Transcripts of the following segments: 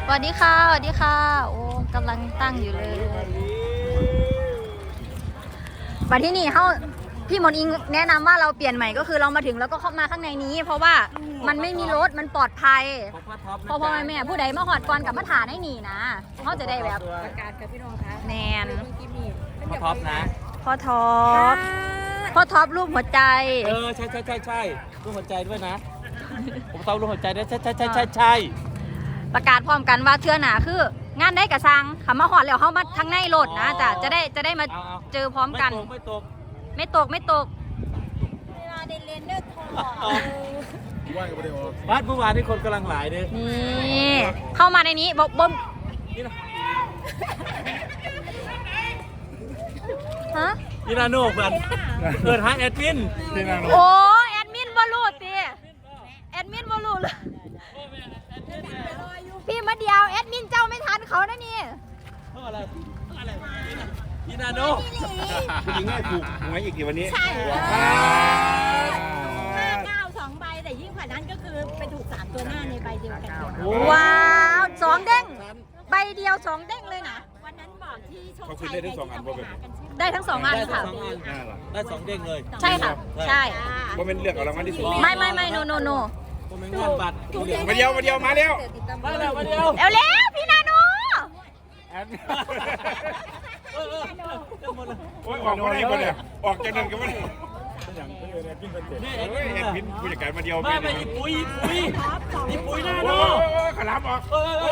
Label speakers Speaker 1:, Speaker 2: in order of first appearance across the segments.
Speaker 1: สวัสดีค่ะสวัสดีค่ะโอ้กำลังตั้งอยู่เลยบัดที่นี่เขาพี่มนอิงแนะนำว่าเราเปลี่ยนใหม่ก็คือเรามาถึงแล้วก็เข้ามาข้างในนี้ เพราะว่ามันไม่มีรถมันปลอดภัยพอแม่ผู้ใดมาหอดก่อนกับมาถาได้หนีนะเขาจะได้แบบ
Speaker 2: ประกาศกับพี่น้องคะ
Speaker 1: แนน
Speaker 3: พ่อท็อปนะ
Speaker 1: พ่อท็อปรูปหัวใจ
Speaker 3: ใช่รูปหัวใจด้วยนะผมต้องรูปหัวใจด้วยใช่
Speaker 1: ประกาศพร้อมกันว่าเทื่อหนาคืองานได้กระซังขามาหอดแล้วเขามาทั้งในรถนะจะได้มาเจอพร้อมกัน
Speaker 3: ไม่ตก
Speaker 1: เวลาเดินเลนเดอร์ทอง
Speaker 3: บ้านเมื่อวานที่คนกำลังหลายเลย
Speaker 1: นี่เข้ามาในนี้บอกบ่มฮะ
Speaker 3: พี่นาโน่เปิดหาแอดมิน
Speaker 1: โอ้แอดมินบอลูตีแอดมินบอลูเลยพี่มาเดียวแอดมินเจ้าไม่ทันเขานะนี่
Speaker 3: เพราะอะไรพี่นาโน่
Speaker 4: คุณยิงให้ถูกหวยอีกกี่วันนี้
Speaker 2: ใช่59 2 ใบแต่ยิ่งกว่านั้นก็คือไปถูก3ตัวหน้าในใบเดียวกัน
Speaker 1: ว้าว2 เด้งใบเดียว2 เด้งเลยนะ
Speaker 2: วันนั้นบอกที่โชคชัย
Speaker 4: ได้ทั้ง2 อัน
Speaker 1: ได้ทั้ง2 อันค่ะ
Speaker 3: ได้2 เด้งเลย
Speaker 1: ใช่ค่ะใช่
Speaker 4: ว่าเป็นเลือกเอารางวัลที่สุด
Speaker 1: ไม่โน
Speaker 3: ผมเป็นงานบัตร
Speaker 4: มาเดียวมา
Speaker 3: แล้วเร็ว
Speaker 1: พี่นาโน
Speaker 4: โอ้ยออกมาได้ปะเนี่ยออกจากเดินกันปะเนี่ยแอดมินผู้จัดการมาเดียว
Speaker 3: ไม่ปุ๋ยนาโน่
Speaker 4: ขลับออก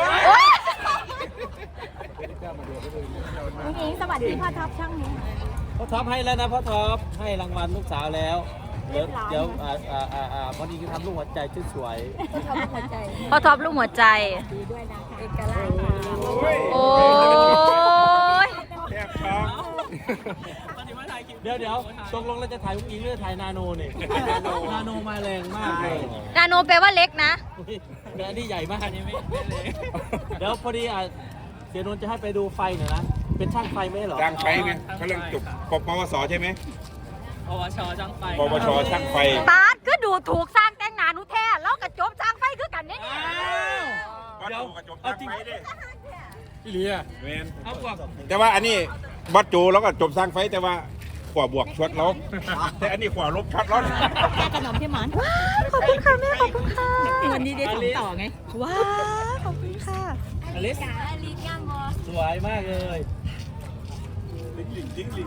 Speaker 2: ลุงอิงสวัสดีพ่อท็อปช่างนี้
Speaker 3: พ่อท็อปให้แล้วนะพ่อท็อปให้รางวัลลูกสาวแล้วเดี๋ยวพอดีคือทำลูกหัวใจสวย
Speaker 1: พ่อท็อปลูกหัวใจ
Speaker 2: ดีด้วยนะคะเอกลักษณ์
Speaker 1: โอ้ย
Speaker 4: แทบช็อก
Speaker 3: เดี๋ยวตกลงเราจะถ่ายลูกอิงหรือถ่ายนาโนเนี่ยนาโนมาแรงมากเลย
Speaker 1: นาโนแปลว่าเล็กนะ
Speaker 3: แต่อันนี้ใหญ่มากนี่ไม่เล็กเดี๋ยวพอดีเสียนนท์จะให้ไปดูไฟหน่อยนะเป็นช่างไฟไม่หรอ
Speaker 4: ช่างไฟไงเขาเรื่องจบปวสใช่ไหม
Speaker 3: ปวชช่างไฟ
Speaker 4: ช่างไฟ
Speaker 1: ปาดก็ดูถูกสร้างแต่งงานนุแท้แล้วกระจบสร้างไฟคือกันเนี่ย
Speaker 4: เดี๋ยวกระจบสร้างไฟดิ
Speaker 3: พี่เลีย
Speaker 4: เมนแต่ว่าอันนี้วัดจูแล้วก็จบสร้างไฟแต่ว่าขวาบวกช็อตแล้วแต่อันนี้ขวาลบช็อตแล้ว
Speaker 2: แค่ขนมที่หมอน
Speaker 1: ขอบคุณค่ะแม่ขอบคุณค่ะ
Speaker 2: วันนี้ได้ส่งต่อไง
Speaker 1: ว้าขอบคุณค่ะ
Speaker 3: อลิสย่างสวยมากเลย
Speaker 4: ดิ้ง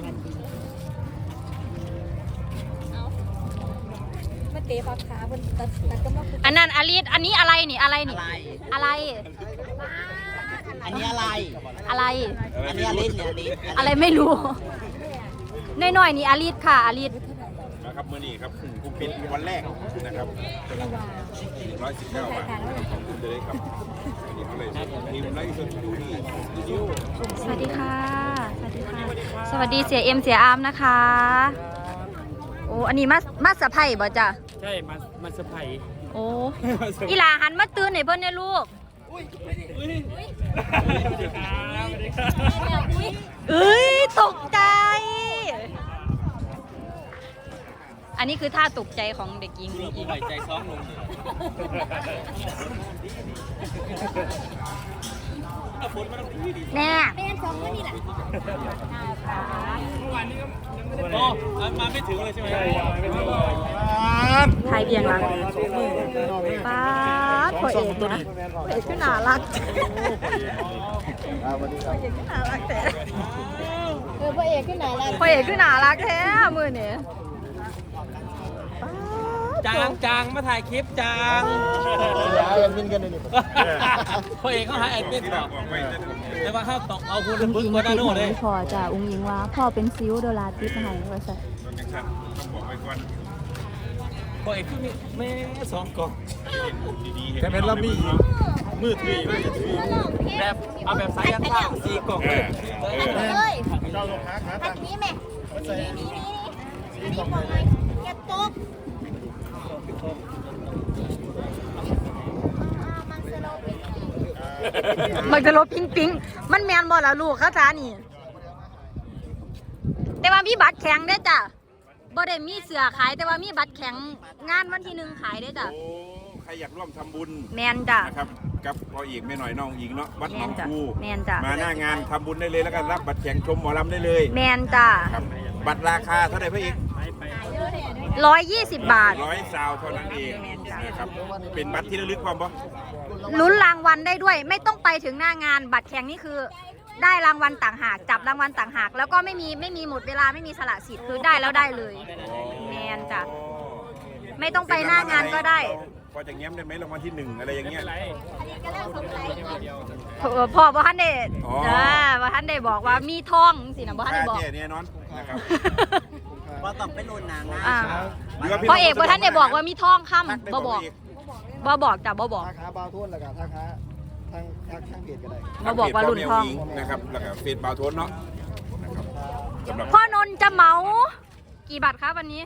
Speaker 2: มาเตะปากขาบนตัดก็มา
Speaker 1: อันนั้นอลิสอันนี้อะไรนี่อะไร
Speaker 2: อันนี้อะไรอันนี้อลิส
Speaker 1: อะไรไม่รู้น้อยๆนี่อลิสค่ะอลิส
Speaker 4: นะครับเมื่อนี้ครับกูปิดวันแรกนะครับ119 บาทขอบคุณเลยครับอันนี้เขาเลยทีมไลฟ์สดดูนี่
Speaker 1: สวัสดีค่ะสวัสดีเสียเอ็มเสียอาร์มนะคะโอ้อันนี้มาสะไพบ่จ้ะ
Speaker 3: ใช่มาสะไพ
Speaker 1: โอ้อีหลาหันมาตื่นให้เพิ่นในลูกเอ้ยตกใจอันนี้คือท่าตกใจของเด็กหญิง
Speaker 3: ผู้ใหญ่ใจซ้อมลง
Speaker 1: แน่
Speaker 2: เป็นสองคนนี่แหละ
Speaker 3: มาไม่ถึงเลยใช่ไหม
Speaker 1: ไทยเบียงรักป้าพ่อเอกนะพ่อเอกก็น่ารักพ่อเอกก็น่ารักแต่
Speaker 2: พ่อเอกขึ้นไหนล่ะ
Speaker 1: พ่อเอกก็น่ารักแท้มือเนี่ย
Speaker 3: จางมาถ่ายคลิปจาง
Speaker 4: แอดมินกันเลย
Speaker 3: พ่อเอกเขาหาแอดมินแต่ว่าเขาตกเอาคุณพึ่งมาได้โน่เลย
Speaker 1: พ่อจะอุ้งยิงว่าพ่อเป็นซิวโดราติปให้ว่าสัตว์
Speaker 3: พ่อเอกคือแม่2 กล่อง
Speaker 4: แต่เป็นละมีมืดที่
Speaker 3: แบบเอาแบบสายยันผ้า4 กล่องเลย
Speaker 2: เจ้าลงพักนะนี่แม่นี่พอไหมแกตก
Speaker 1: มันจะลบปิ๊งมันแมนบอละลูกเขาจ้านี่แต่ว่ามีบัตรแข็งได้จ้ะบ่ได้มีเสือขายแต่ว่ามีบัตรแข็งงานวันที่1ขายได้จ้ะ
Speaker 4: ใครอยากร่วมทำบุญ
Speaker 1: แมนจ้ะ
Speaker 4: นะครับกับพ่ออีกแม่หน่อยน้องอีกเนาะวัดหนองคู
Speaker 1: แมนจ้ะ
Speaker 4: มาหน้างานทำบุญได้เลยแล้วก็รับบัตรแข่งชมหมอลำได้เลย
Speaker 1: แมนจ้ะ
Speaker 4: ครับบัตรราคาเท่าไหร่พ่ออีก
Speaker 1: 120 บาท
Speaker 4: 100 ซาวเท่านั้นเองนะครับเป็นบัตรที่ระลึกความบ่
Speaker 1: ลุ้นรางวัลได้ด้วย ไม่ต้องไปถึงหน้างานบัตรแข่งนี่คือได้รางวัลต่างหากจับรางวัลต่างหากแล้วก็ไม่มีหมดเวลาไม่มีสละสิทธิ์คือได้แล้วได้เลยแมนจ้ะไม่ต้องไปหน้างานก็ได้
Speaker 4: พอจะแง้มได้ไหมรางวัลที่1อะไรอย่างเงี้ย
Speaker 1: พ่อบ่ทันได้
Speaker 4: อ๋อ
Speaker 1: บ่ทันได้บอกว่ามีทองสินะบ่ทันได้บอก
Speaker 4: แน่นอนนะครับ
Speaker 3: ว่าต้องไปลุ้นนางนะ
Speaker 1: อ่าพ่อเอกบ่ทันได้บอกว่ามีทองค่ำบ่บอกจ้ะบ่บอก
Speaker 5: ทักหาบาวทุ่นแล้วก็ทักหาทางเพจก็ได้
Speaker 1: มาบอกว่ารุ่นทอง
Speaker 4: นะครับแล้วก็เฟซบาวโทนเนาะนะครับสำหรับ
Speaker 1: พ่อนนท์จะเหมา กี่บาทครับวันนี้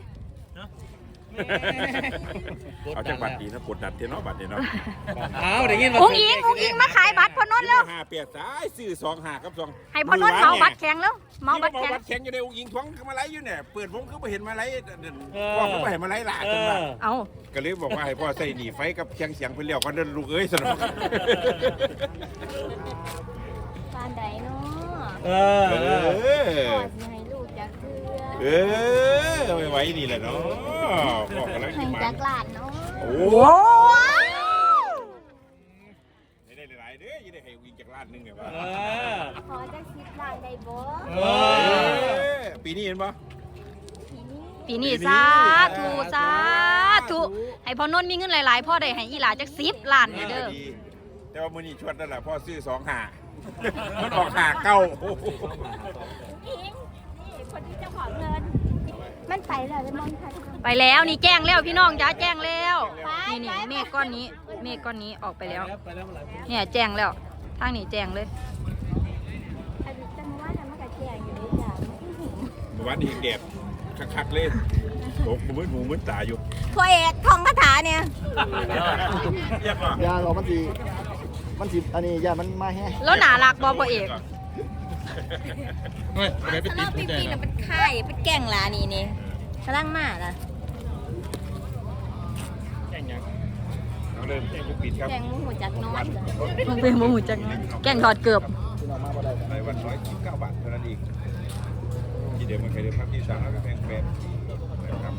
Speaker 4: เอาจากบัตรดีนะกดดันเทเนาะบัตรเนี่ยเนาะ
Speaker 3: อ้าวเดี๋ยวงี้
Speaker 1: อุ้งอิงมาขายบัตรพ่อนนท์แล้ว
Speaker 4: 5เปียกสายซื้อ2 5กับ2
Speaker 1: ให้พ่อนนท์เหมาบัตรแข็งแล้วเหมาบัตรแข็ง
Speaker 4: บัตรแข็งอยู่ในอุ้งอิงท้องมาไล่อยู่เนี่ยเปิดผมก็ไม่เห็นมาไล่พ่อก็ไม่เห็นมาไล่หลาจังว่า
Speaker 1: เอา
Speaker 4: ก็เลยบอกว่าให้พ่อใส่หนีไฟกับเชียงเสียงเพื่อนเลี้ยวกันเดินลูกเอ้ยสนุก
Speaker 2: ปานใดเนาะ
Speaker 3: เอ
Speaker 4: เอ
Speaker 2: พ่อ
Speaker 4: อ
Speaker 2: สิให้ลูกจักเทื่อ
Speaker 4: เออไว้นี่แหละเนาะบอกกันแล้ว
Speaker 2: ให้
Speaker 4: กี่มา
Speaker 2: จักหลานเนาะ
Speaker 4: โอ้
Speaker 1: โอ้
Speaker 4: ไม่ได้หลายเด้อยังได้ให้วิ่งจากล้านนึงไงวะ
Speaker 2: ขอจัก10ล้านได้บ่
Speaker 4: ปีนี้เห็นปะ
Speaker 1: ปีนี้สาธุให้พ่อนนท์มีเงินหลายๆพ่อได้ให้อีหลาจัก10 ล้านเนี่ยเด้อ
Speaker 4: ดีแต่ว่ามื้อนี้ชวดนั่นแหละพ่อซื้อ2 5มันออก5 9
Speaker 2: อิงนี่คนที่เจ้าของเงินมันไปแล้วเลยมองค่ะ
Speaker 1: ไปแล้วนี่แจ้งแล้วพี่น้องจ้าแจ้งแล้ว
Speaker 2: ไป
Speaker 1: นี่
Speaker 2: ไป
Speaker 1: เมฆก้อนนี้เมฆก้อนนี้ออกไปแล้ว
Speaker 3: ไปแล้วเมื่อไหร่
Speaker 1: เนี่ยแจ้งแล้วทางนี้แจ้งเลย
Speaker 2: อันนี้จะมาว่าจะมากระแจงอยู่ด้วยจ้ะ
Speaker 4: เมื่อวานนี้แดดคักๆเลยโอ้มืดหูมืดตาอยู่
Speaker 2: พ่อเอกท่องคาถาเนี่ย
Speaker 4: เรียกว่า
Speaker 5: ยาเรามันสิอันนี้ยามันมาแห้
Speaker 1: แล้วหนารักบอพ่อเอก
Speaker 2: สนอปีๆน่ะเป็นไข่เป็นแก่งลานี่กำลังมาล่ะ
Speaker 4: เอาเริ่มแจ้งผู้ปิดครับ
Speaker 2: แก่งหมูจักน้อย
Speaker 1: มันเป็นโมหูจังแกงถอดเกือบ
Speaker 5: ที่เรามาบ่ได้กัน
Speaker 4: ในวัน119 บาทเท่านั้นเองที่เดิมมันเคยได้พักที่3แล้วก็แพงนะครับ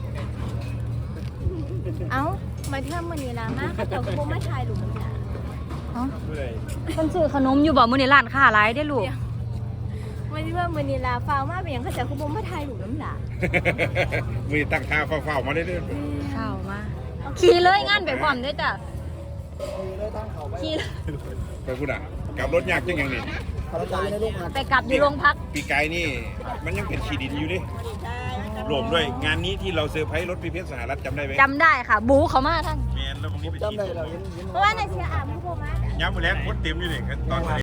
Speaker 2: เอ้ามาเที่ยวมื้อนี้ล่ะมาเขาเจ้าบ่มาถ่ายรูปกันจ้ะ
Speaker 1: ฉันซื้อขนมอยู่บ่มื้อนี้ร้านค้าหลายได้อลูก
Speaker 2: มาเที่ยวมื้อนี้ล่ะฟ้าวมาเป็นหยังเขาเจ้าบ่มาถ่ายรูปนำล่ะ
Speaker 4: มือตั้งท่าเฝ้าๆมาเรื่อย
Speaker 1: เข้ามาขี่เลยงานไปพร้อมเด้อจ้ะ
Speaker 5: เลยทางเขาไป
Speaker 1: ขี่
Speaker 4: ๆไปพูดอ่ะกลับรถยากจังอย่างนี้
Speaker 5: พลังใจในลูกหัก
Speaker 1: ไปกลับอยู่โรงพัก
Speaker 4: ปีกายนี่มันยังเป็นขีดินอยู่ดิรวมด้วยงานนี้ที่เราเซอร์ไพรส์รถพีเพชรสหรัฐจำได้ไหม
Speaker 1: จำได้ค่ะ บูเขามาท่าน
Speaker 4: แมนแล้ววันนี้ไป
Speaker 5: จำ
Speaker 4: ฉีด
Speaker 5: ได้เราเห็น
Speaker 2: เพราะว่าในเสียอ่ำผู้บ่มา
Speaker 4: ย้ำมาแล้วคนเต็มอยู่เลยตอน